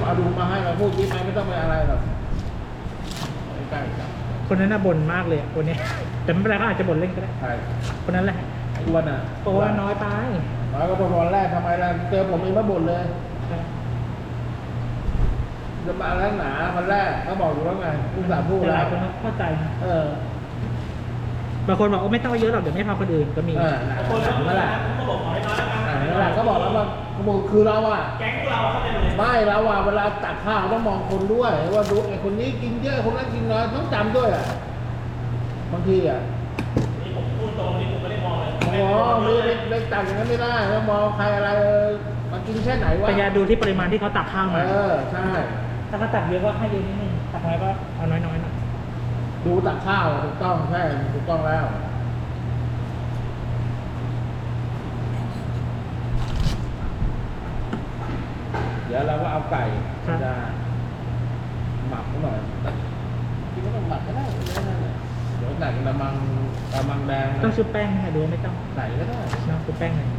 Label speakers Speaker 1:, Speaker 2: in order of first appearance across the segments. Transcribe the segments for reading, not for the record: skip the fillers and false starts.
Speaker 1: เอาดูมาให้เราพูดยิ้มไหมไม่ต้องไปอะไรหรอกใกล้ๆครับ
Speaker 2: คนนั้นน่ะบ่นมากเลยคนนี้แต่ไม่เป็นไรก็อาจจะบ่นเล่นก็ได้
Speaker 1: ใช่
Speaker 2: คนนั้นแหละ
Speaker 1: ไอ้อ้วนอ่ะ
Speaker 2: บอกว่าน้อยไป
Speaker 1: น้อยก็พอวันแรกทำไมล่ะเจอผมเองมาบ่นเลยจะมาแล้วหนาวันแรกเขาบอกอยู่แล้วไงผู้สาพูด
Speaker 2: แต่ห
Speaker 1: แล้
Speaker 2: ลายว คนก็เข้าใจนะ บางคนบอกว่าไม่ต้องเยอะหรอกเดี๋ยวไม่พาคนอื่นก็มี
Speaker 1: คนนั่นแหละ
Speaker 3: ก็บอกขอให้น้อยแล้วกัน
Speaker 1: นั่นแหละเขาบอกแล้วว่าเขาบอกคือเราอ่ะ
Speaker 3: แก๊งพวกเราเข้าใจหมดเลย
Speaker 1: ไม่เราอ่ะเวลาตักข้าวต้องมองคนด้วยว่าดูไอ้คนนี้กินเยอะคนนั้นกินน้อยต้องจำด้วยอ่ะบางทีอ่ะ
Speaker 3: นี่ผมพูดตรงนี่ผมไม่ได้มองเลย
Speaker 1: อ๋อไม่ได้ตักอย่างนั้นไม่ได้แล้วมองใครอะไรมากินแค่ไหนวะ
Speaker 2: พยายามดูที่ปริมาณที่เขาตักข้าวมา
Speaker 1: ใช่
Speaker 2: ถ้าเขาตักเยอะก็ให้เยอะนิดนึงตักน้อยก็เอาน้อยๆหน่อย
Speaker 1: ดูตักข้าวถูกต้องใช่ถูกต้องแล้วเดี๋ยวเราก็เอาไก่จะหมักหน่อยที่ก็ต้องหมักก็ได้เดี๋ยวใส่กระมังแดง
Speaker 2: ต้องชุบแป้งค่ะดูไม่ต้อง
Speaker 1: ใส่ก็ได้
Speaker 2: น้องชุบแป้งเลย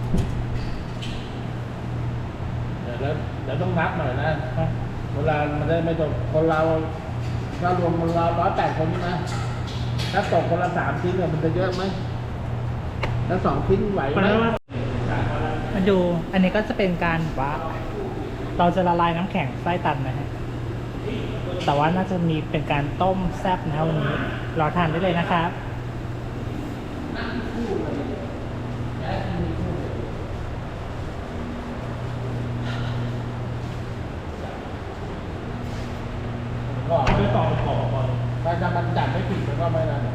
Speaker 1: เดี๋ยวต้องนับหน่อยนะเวลามันได้ไม่ตกคนเราถ้ารวมคนเรา108 คนนะถ้าตกคนละ3 ชิ้นเนี่ยมันจะเยอะไหมแล้ว2 ชิ้นไหวไหม
Speaker 2: มาดูอันนี้ก็จะเป็นการว่าเราจะละลายน้ำแข็งไส้ตันนะฮะแต่ว่าน่าจะมีเป็นการต้มแซ่บนะวันนี้รอทานได้เลยนะครับ
Speaker 1: ก็
Speaker 3: คือต่อขอบก่อน
Speaker 1: ถ้ามันจัดไม่ผิดมันก็ไม่นั่น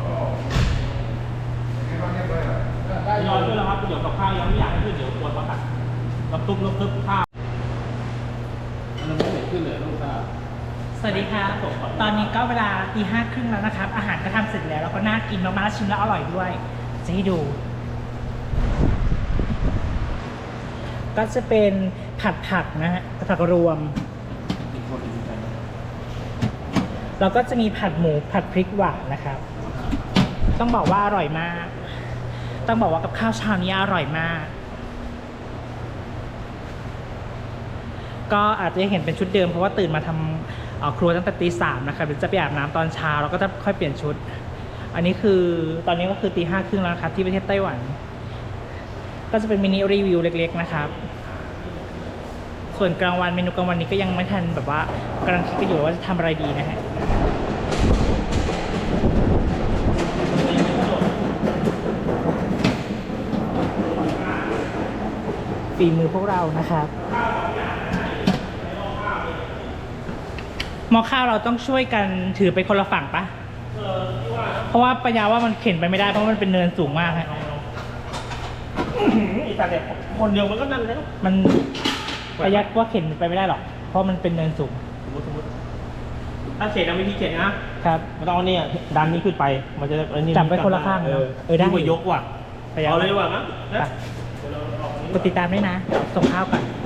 Speaker 1: ได้
Speaker 3: ย้อนด้วยแล้วครับเดี๋ยวกับข้าวยังไม่อยากให้ขึ้นเดี๋ยวกลัวประกัดรับตุ๊บรับตุ๊บข้าว
Speaker 1: มันไม่เห็นขึ้นเลยลูกค้า
Speaker 2: สวัสดีครับตอนนี้ก็เวลาตี 5 ครึ่งแล้วนะครับ อาหารก็ทำเสร็จแล้วแล้วก็น่ากินมากๆชิมแล้วอร่อยด้วยจะให้ดู ก็จะเป็นผัดผักนะฮะผักรวม แล้วก็จะมีผัดหมูผัดพริกหวานนะครับ ต้องบอกว่าอร่อยมาก ต้องบอกว่ากับข้าวเช้านี้อร่อยมาก ก็อาจจะเห็นเป็นชุดเดิมเพราะว่าตื่นมาทำครัวตั้งแต่ตี 3นะครับเดี๋ยวจะไปอาบน้ำตอนเช้าแล้วก็จะค่อยเปลี่ยนชุด อันนี้คือตอนนี้ก็คือตี 5 ครึ่งแล้วนะครับที่ประเทศไต้หวัน ก็จะเป็นมินิรีวิวเล็กๆนะครับ ส่วนกลางวันเมนูกลางวันนี้ก็ยังไม่ทันแบบว่ากำลังคิดกันอยู่ว่าจะทำอะไรดีนะฮะฝีมือพวกเรานะครับหม้อข้าวเราต้องช่วยกันถือไปคนละฝั่งปะเพราะว่าปัญญาว่ามันเข็นไปไม่ได้เพราะมันเป็นเนินสูงมากฮะ
Speaker 3: อีแต่เด็กคนเดียวมันก็นั่นแล้ว
Speaker 2: มันประหยัดว่าเข็นไปไม่ได้หรอกเพราะมันเป็นเนินสูง
Speaker 3: สมมติถ้าเข็นนะวิธีเข็นนะครับ มันต้องเอาเนี่ยดันนี้ขึ้นไปมันจะอันนี้
Speaker 2: จับไว้คนละข้าง ได้
Speaker 3: ที่ว่ายกว่ะ
Speaker 2: ประหยัด
Speaker 3: เอาเลยว่ะนะ
Speaker 2: ไปกดติดตามด้วยนะส่งข้าวก่อน